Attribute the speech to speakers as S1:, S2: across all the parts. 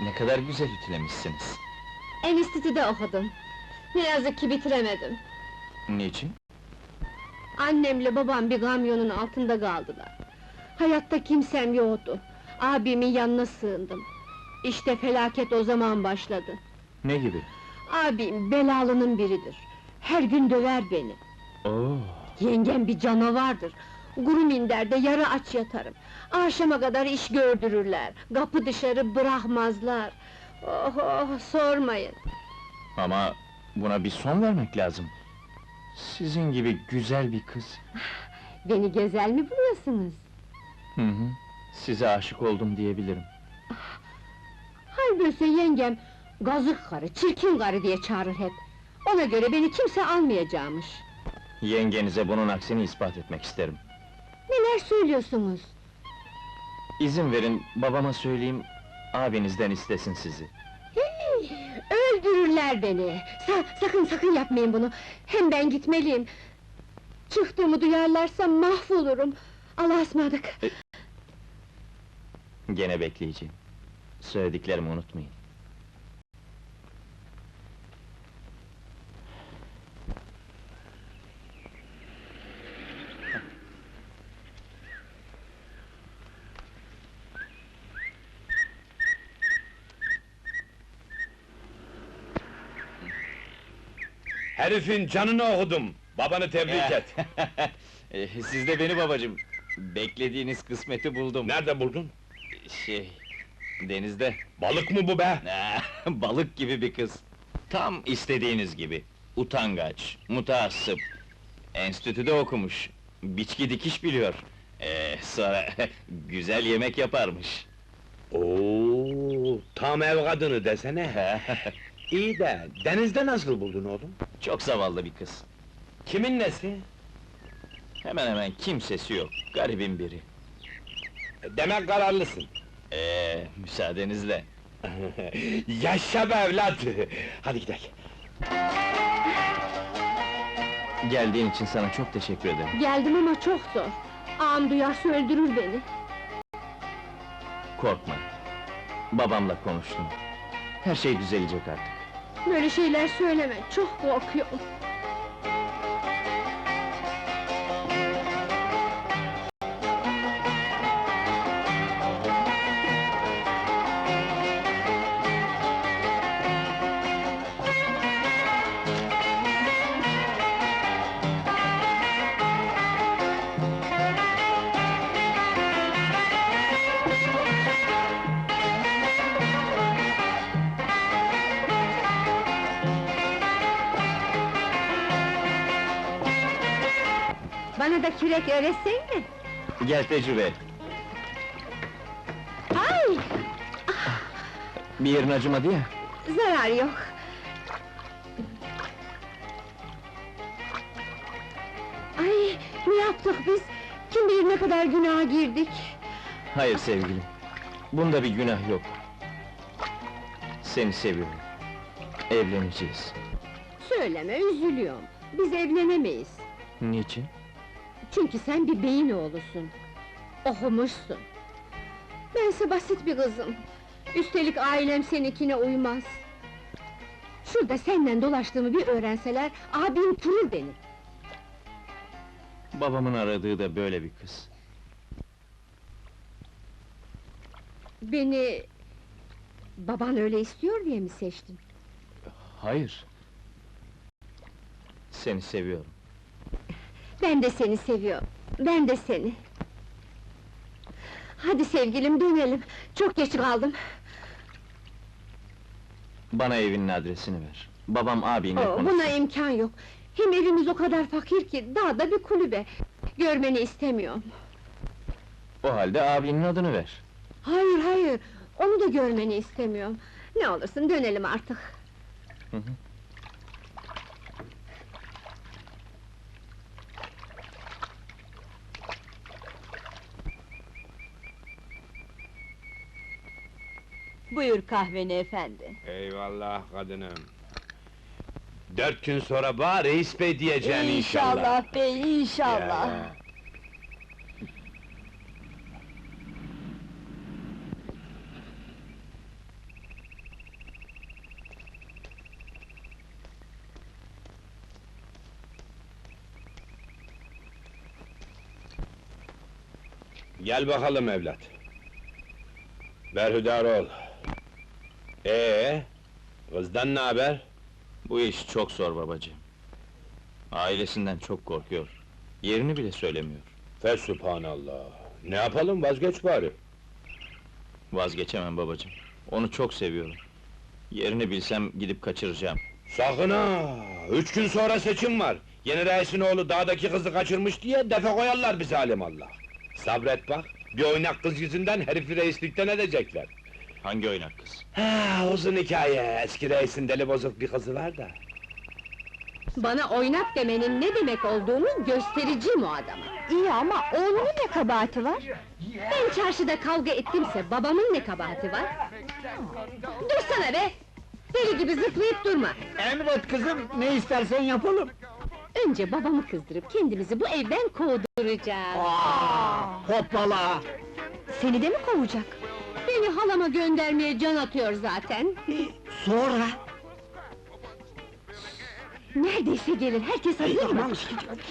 S1: Ne kadar güzel ütülemişsiniz.
S2: Enstitüde okudum. Ne yazık ki bitiremedim.
S1: Niçin?
S2: Annemle babam bir kamyonun altında kaldılar. Hayatta kimsem yoktu. Abimin yanına sığındım. İşte felaket o zaman başladı.
S1: Ne gibi?
S2: Abim belalının biridir. Her gün döver beni.
S1: Oo,
S2: Yengem bir canavardır. Kuru minderde yarı aç yatarım. Akşama kadar iş gördürürler. Kapı dışarı bırakmazlar. Oh oh, sormayın.
S1: ama buna bir son vermek lazım. Sizin gibi güzel bir kız.
S2: Beni güzel mi buluyorsunuz?
S1: Hı hı, size aşık oldum diyebilirim.
S2: Halbuki yengem, gazık karı, çirkin karı diye çağırır hep. Ona göre beni kimse almayacakmış.
S1: Yengenize bunun aksini ispat etmek isterim.
S2: Neler söylüyorsunuz?
S1: İzin verin, babama söyleyeyim, abinizden istesin sizi.
S2: Hey, öldürürler beni! Sakın yapmayın bunu! Hem ben gitmeliyim! Çıktığımı duyarlarsa mahvolurum! Allah'a ısmarladık!
S1: Gene bekleyeceğim. Söylediklerimi unutmayın.
S3: Herifin canını okudum. Babanı tebrik et.
S1: Siz de beni babacığım. Beklediğiniz kısmeti buldum.
S3: Nerede buldun?
S1: Denizde.
S3: Balık mı bu be?
S1: Balık gibi bir kız. Tam istediğiniz gibi. Utangaç, mutaassıp. Enstitüde okumuş. Biçki dikiş biliyor. Sonra güzel yemek yaparmış.
S3: Oo, tam ev kadını desene. İyi de denizde nasıl buldun oğlum?
S1: Çok zavallı bir kız.
S3: Kimin nesi?
S1: Hemen hemen kimsesi yok. Garibin biri.
S3: Demek kararlısın.
S1: Müsaadenizle.
S3: Yaşa be evlat! Hadi gidelim.
S1: Geldiğin için sana çok teşekkür ederim.
S2: Geldim ama çok zor. Ağam duyarsa öldürür beni.
S1: Korkma. Babamla konuştum. Her şey düzelecek artık.
S2: Böyle şeyler söyleme, çok korkuyorum. Bana da kürek öğretsen mi?
S1: Gel tecrübe et.
S2: Ay!
S1: Bir yerin acımadı ya.
S2: Zarar yok. Ay, ne yaptık biz? Kim bilir ne kadar günaha girdik?
S1: Hayır sevgilim. Bunda bir günah yok. Seni seviyorum. Evleneceğiz.
S2: Söyleme, üzülüyorum. Biz evlenemeyiz.
S1: Niçin?
S2: Çünkü sen bir beyin oğlusun. Okumuşsun. Bense basit bir kızım. Üstelik ailem seninkine uymaz. Şurada seninle dolaştığımı bir öğrenseler, abim kurur beni.
S1: Babamın aradığı da böyle bir kız.
S2: Beni... Baban öyle istiyor diye mi seçtin?
S1: Hayır. Seni seviyorum.
S2: Ben de seni seviyorum. Ben de seni. Hadi sevgilim, dönelim. Çok geç kaldım.
S1: Bana evinin adresini ver. Babam abinle konuşsun.
S2: Buna imkan yok. Hem evimiz o kadar fakir ki, dağda bir kulübe. Görmeni istemiyorum.
S1: O halde abinin adını ver.
S2: Hayır, onu da görmeni istemiyorum. Ne olursun dönelim artık.
S1: Hı hı.
S4: Buyur kahveni efendi.
S3: Eyvallah kadınım. 4 gün sonra bana reis bey diyeceksin inşallah.
S4: İnşallah bey, inşallah.
S3: Ya. Gel bakalım evlat. Berhudar ol. Kızdan ne haber?
S1: Bu iş çok zor babacığım. Ailesinden çok korkuyor. Yerini bile söylemiyor.
S3: Fesubhanallah! Ne yapalım, vazgeç bari!
S1: Vazgeçemem babacığım. Onu çok seviyorum. Yerini bilsem gidip kaçıracağım.
S3: Sakın ha! 3 gün sonra seçim var! Yeni reisin oğlu dağdaki kızı kaçırmış diye defe koyarlar bize alimallah! Sabret bak, bir oynak kız yüzünden herifi reislikten edecekler!
S1: Hangi oynak kız?
S3: Ha, uzun hikaye, eski reisin deli bozuk bir kızı var da!
S2: Bana oynak demenin ne demek olduğunu göstereceğim o adama.
S4: İyi ama oğlunun ne kabahati var?
S2: Ben çarşıda kavga ettimse babamın ne kabahati var? Dursana be! Deli gibi zıplayıp durma!
S5: Emret kızım, ne istersen yapalım.
S2: Önce babamı kızdırıp kendimizi bu evden kovduracağız.
S5: Hoppala!
S4: Seni de mi kovacak?
S2: Beni halama göndermeye can atıyor zaten.
S5: Sonra?
S2: Neredeyse gelir, herkes hazır mı?
S5: Tamam,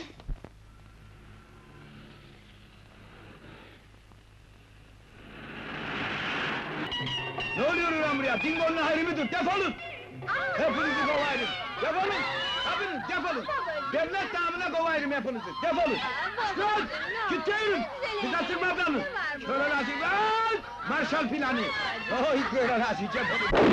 S6: Ne oluyor lan buraya? Dingo'nun hayrı mıdır? Defolun! Hepinizi kovayım! Defolun! Hepiniz defolun! Devlet namına kovayım hepinizi! Defolun! Lan! Gittirin! Size tırmadanın! Şöyle lazım lan! Marshall planı! Oy böyle lazım! Defolun!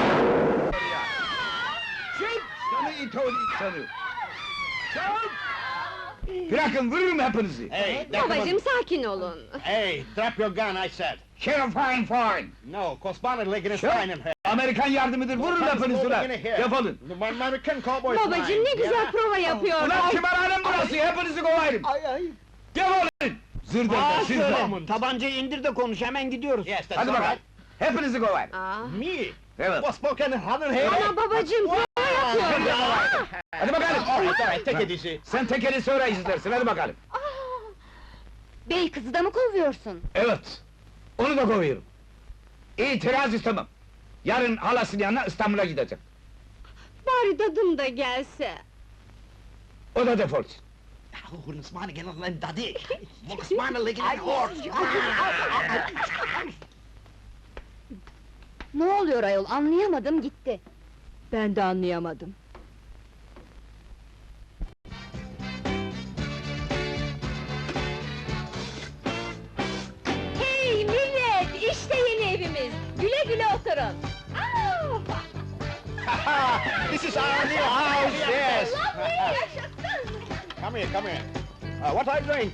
S6: Çık! Sana it oğlu insanı! Çık! Bırakın, vururum hepinizi!
S5: Hey,
S2: Babacığım sakin olun.
S5: Hey, drop your gun, I said!
S6: Sheriff fine fine!
S5: No, correspondent Lincoln is
S6: Çık!
S5: fine in here!
S6: Amerikan yardımıdır, vurun hepinizi ulan! Defolun!
S5: The American cowboy is
S2: Babacığım ne
S5: fine,
S2: güzel
S5: yeah?
S2: prova yapıyor.
S6: Ulan kümarhanem burası, hepinizi kovayım!
S5: Ay ay!
S6: Defolun! Zırdır, sizler!
S5: Tabancayı indir de konuş, hemen gidiyoruz! Yes, that's
S6: Hadi
S5: all
S6: bakalım!
S5: right!
S6: Hepinizi kovayım!
S2: Aa,
S5: Me?
S6: Evet!
S5: What's spoken in here?
S2: ama babacığım prova yapıyor.
S6: Hadi bakalım!
S5: All right, take it easy!
S6: Sen tekeli sonra izlersin, hadi bakalım!
S4: Bey kızı da mı kovuyorsun?
S6: Evet! Onu da kovuyorum! İtiraz istemem! Yarın halasının yanına İstanbul'a gidecek!
S2: Bari dadım da gelse.
S6: O da defolsun!
S5: Oh, smaan again on them daddy! Smaan Lincoln in horse!
S4: Ne oluyor ayol, anlayamadım gitti.
S2: Ben de anlayamadım. Hey millet! İşte yeni evimiz! Güle güle oturun!
S5: This is our new house, yes! Come here, come here! What are you doing?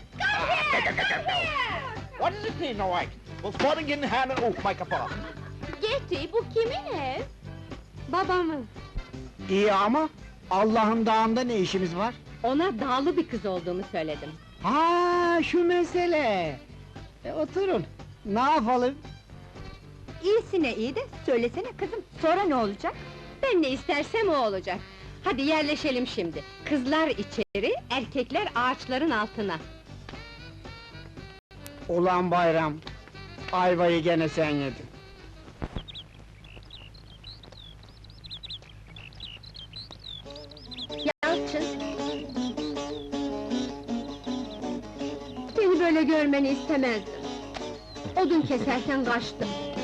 S5: What does it mean, all right? Well, sporting in hand and... Oh, my kapara!
S2: Getty, bu kimin ev? Babamın.
S5: İyi ama Allah'ın dağında ne işimiz var?
S2: Ona dağlı bir kız olduğumu söyledim.
S5: Ha, şu mesele! Oturun, ne yapalım?
S4: İyisine iyi de, söylesene kızım, sonra ne olacak?
S2: Ben ne istersem o olacak. Hadi yerleşelim şimdi. Kızlar içeri, erkekler ağaçların altına.
S5: Ulan bayram, ayvayı gene sen yedin.
S2: Yalçın! Seni böyle görmeni istemezdim. Odun keserken kaçtım.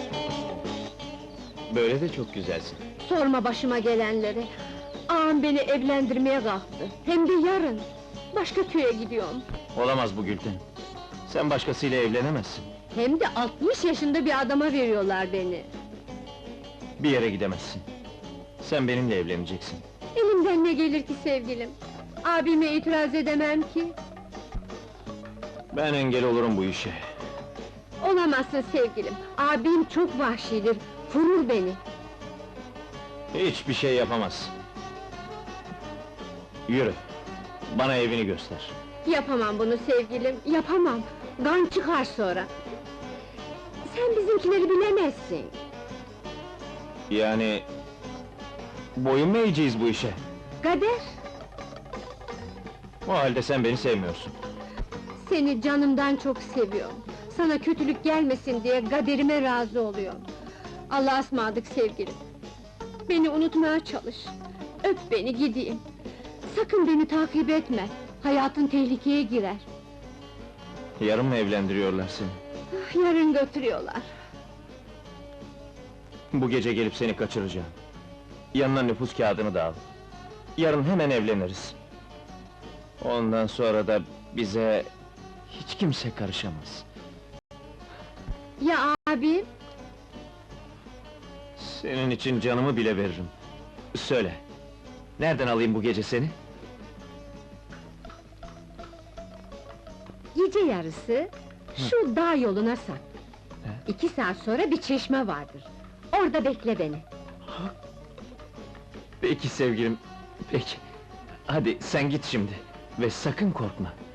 S1: Böyle de çok güzelsin.
S2: Sorma başıma gelenleri. Ağam beni evlendirmeye kalktı. Hem de yarın. Başka köye gidiyorum.
S1: Olamaz bu Gülten. Sen başkasıyla evlenemezsin.
S2: Hem de 60 yaşında bir adama veriyorlar beni.
S1: Bir yere gidemezsin. Sen benimle evleneceksin.
S2: Elimden ne gelir ki sevgilim? Abime itiraz edemem ki.
S1: Ben engel olurum bu işe.
S2: Olamazsın sevgilim. Abim çok vahşidir. Vurur beni.
S1: Hiçbir şey yapamazsın. Yürü. Bana evini göster.
S2: Yapamam bunu sevgilim, yapamam! Gan çıkar sonra! Sen bizimkileri bilemezsin!
S1: Yani... boyun mu eğeceğiz bu işe?
S2: Kader!
S1: O halde sen beni sevmiyorsun.
S2: Seni canımdan çok seviyorum! Sana kötülük gelmesin diye kaderime razı oluyorum! Allah'a ısmarladık sevgilim! Beni unutmaya çalış! Öp beni gideyim! Sakın beni takip etme! Hayatın tehlikeye girer!
S1: Yarın mı evlendiriyorlar seni?
S2: Yarın götürüyorlar.
S1: Bu gece gelip seni kaçıracağım. Yanına nüfus kağıdını da al. Yarın hemen evleniriz. Ondan sonra da bize hiç kimse karışamaz.
S2: Ya abim?
S1: Senin için canımı bile veririm. Söyle, nereden alayım bu gece seni?
S2: Gece yarısı şu dağ yoluna sak. 2 saat sonra bir çeşme vardır. Orada bekle beni.
S1: Peki sevgilim, peki. Hadi sen git şimdi ve sakın korkma.